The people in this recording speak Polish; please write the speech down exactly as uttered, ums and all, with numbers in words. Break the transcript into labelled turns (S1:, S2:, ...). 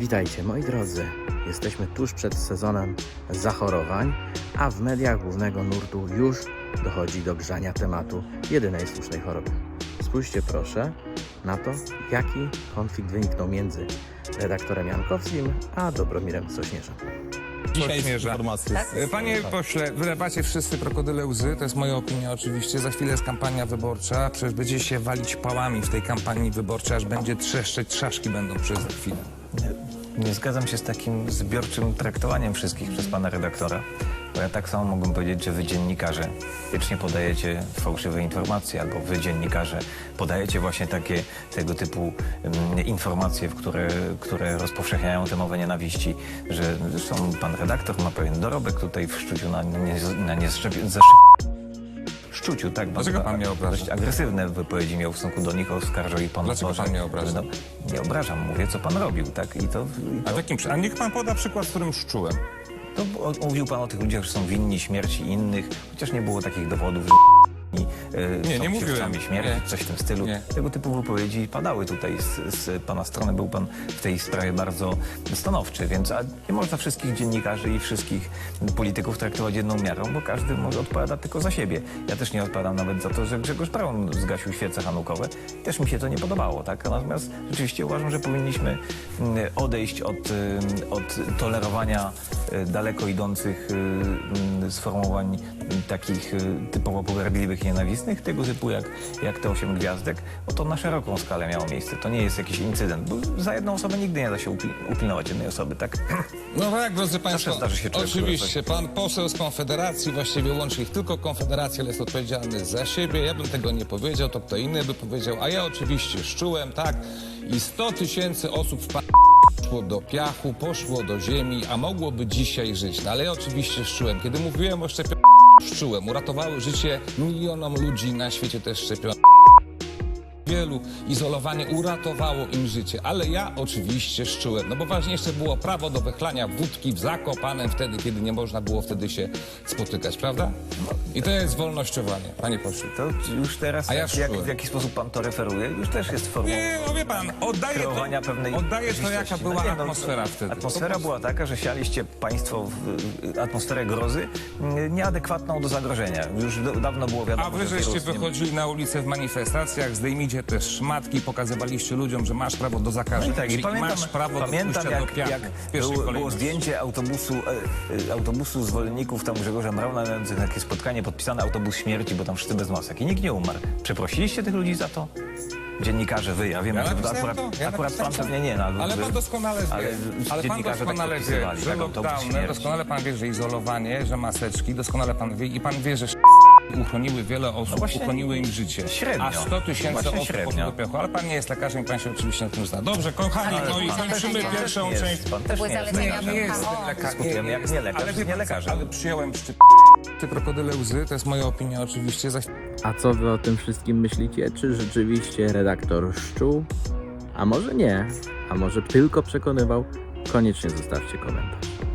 S1: Witajcie moi drodzy, jesteśmy tuż przed sezonem zachorowań, a w mediach głównego nurtu już dochodzi do grzania tematu jedynej słusznej choroby. Spójrzcie proszę na to, jaki konflikt wyniknął między redaktorem Jankowskim a Dobromirem Sośnierzem.
S2: Dzisiaj informacje.
S3: Tak?
S2: Panie pośle, wylewacie wszyscy krokodyle łzy, to jest moja opinia oczywiście. Za chwilę jest kampania wyborcza, przecież będziecie się walić pałami w tej kampanii wyborczej, aż będzie trzeszczeć, trzaszki będą przez chwilę.
S3: Nie, nie zgadzam się z takim zbiorczym traktowaniem wszystkich przez pana redaktora. Bo ja tak samo mógłbym powiedzieć, że wy dziennikarze wiecznie podajecie fałszywe informacje, albo wy dziennikarze podajecie właśnie takie tego typu um, informacje, w które, które rozpowszechniają tę mowę nienawiści, że zresztą pan redaktor ma pewien dorobek tutaj w szczuciu na, nie, na niezaszczep... Szczuciu, tak.
S2: Dlaczego pan mnie obraża?
S3: Dość agresywne wypowiedzi miał w stosunku do nich, oskarżał i pan...
S2: Dlaczego pan mnie obraża?
S3: No, nie obrażam, mówię, co pan robił, tak? I to, i to...
S2: A, takim, a niech pan poda przykład, z którym szczułem.
S3: To o- mówił pan o tych ludziach, że są winni śmierci innych, chociaż nie było takich dowodów, że i, e,
S2: Nie,
S3: są
S2: nie mówiłem.
S3: siewcami śmierci,
S2: Nie.
S3: coś w tym stylu.
S2: Nie.
S3: Tego typu wypowiedzi padały tutaj z, z pana strony. Był pan w tej sprawie bardzo stanowczy, więc a nie można wszystkich dziennikarzy i wszystkich polityków traktować jedną miarą, bo każdy może odpowiada tylko za siebie. Ja też nie odpowiadam nawet za to, że Grzegorz Braun zgasił świece hanukowe. Też mi się to nie podobało, tak? Natomiast rzeczywiście uważam, że powinniśmy mm, odejść od, ym, od tolerowania y, daleko idących y, mm, sformułowań y, takich y, typowo pogardliwych i nienawistnych, tego typu jak, jak te osiem gwiazdek, bo to na szeroką skalę miało miejsce. To nie jest jakiś incydent, bo za jedną osobę nigdy nie da się upil- upilnować jednej osoby, tak?
S2: No tak, drodzy państwo,
S3: zdarzy się człowiekowi
S2: oczywiście, pan poseł z Konfederacji, właściwie łączy ich tylko Konfederacja, ale jest odpowiedzialny za siebie. Ja bym tego nie powiedział, to kto inny by powiedział, a ja oczywiście szczułem, tak, i sto tysięcy osób w pa... poszło do piachu, poszło do ziemi, a mogłoby dzisiaj żyć. No ale ja oczywiście szczułem. Kiedy mówiłem o szczepionkach, szczułem. Uratowały życie milionom ludzi na świecie też szczepionki. Wielu izolowanie uratowało im życie, ale ja oczywiście szczułem, no bo ważniejsze było prawo do wychlania wódki w Zakopanem wtedy, kiedy nie można było wtedy się spotykać, prawda? I to jest wolnościowanie, panie pośle.
S3: To już teraz,
S2: A ja
S3: jak, jak,
S2: szczułem.
S3: w jaki sposób pan to referuje, już też jest formą
S2: Nie, no wie pan, oddaję
S3: kreowania
S2: to,
S3: pewnej
S2: oddaję to
S3: rzeczywistości.
S2: jaka była
S3: No nie, no,
S2: atmosfera wtedy.
S3: Atmosfera była taka, że sialiście państwo w atmosferę grozy mm, nieadekwatną do zagrożenia. Już do, dawno było wiadomo,
S2: A wy
S3: że
S2: żeście
S3: wirus nie-
S2: wychodzili na ulicę w manifestacjach, zdejmijcie te szmatki, pokazywaliście ludziom, że masz prawo do
S3: No
S2: zakażenia,
S3: i tak, i
S2: czyli
S3: pamiętam,
S2: masz prawo do
S3: pamiętam
S2: pójścia
S3: jak,
S2: do piachu
S3: jak
S2: w pierwszej
S3: było, było
S2: kolejności.
S3: zdjęcie autobusu, e, e, autobusu zwolenników tam Grzegorza Brauna mających takie spotkanie podpisane autobus śmierci, bo tam wszyscy bez masek i nikt nie umarł. Przeprosiliście tych ludzi za to? Dziennikarze, wy, ja wiem,
S2: Ja
S3: że
S2: napisałem
S3: akurat,
S2: to, ja
S3: akurat pan
S2: napisałem
S3: pewnie nie. No,
S2: Ale
S3: wy-
S2: pan doskonale wie,
S3: ale
S2: ale pan
S3: dziennikarze tak
S2: doskonale wie,
S3: podpisywali,
S2: że
S3: tak, autobus
S2: lockdowny,
S3: śmierci.
S2: doskonale pan wie, że izolowanie, że maseczki, doskonale pan wie i pan wie, że uchroniły wiele osób,
S3: właśnie
S2: uchroniły im życie.
S3: średnio.
S2: A sto tysięcy
S3: Właśnie
S2: osób
S3: średnio.
S2: poszło do piachu. Ale pan nie jest lekarzem i pan się oczywiście na tym zna. Dobrze, kochani,
S4: Ale
S2: no i
S4: pan też
S2: kończymy
S4: nie-
S2: pierwszą
S3: jest,
S2: część.
S3: Pan też
S4: były
S3: nie jest.
S4: zalecenia
S2: Nie, nie
S4: W H O.
S2: jestem lekarzem.
S3: Dyskutujemy jak nie lekarz,
S2: Ale
S3: z
S2: wie pan co,
S3: nielekarzem.
S2: ale przyjąłem szczyt. Ty krokodyle łzy, to jest moja opinia oczywiście. Za
S1: A co wy o tym wszystkim myślicie? Czy rzeczywiście redaktor szczuł? A może nie? A może tylko przekonywał? Koniecznie zostawcie komentarz.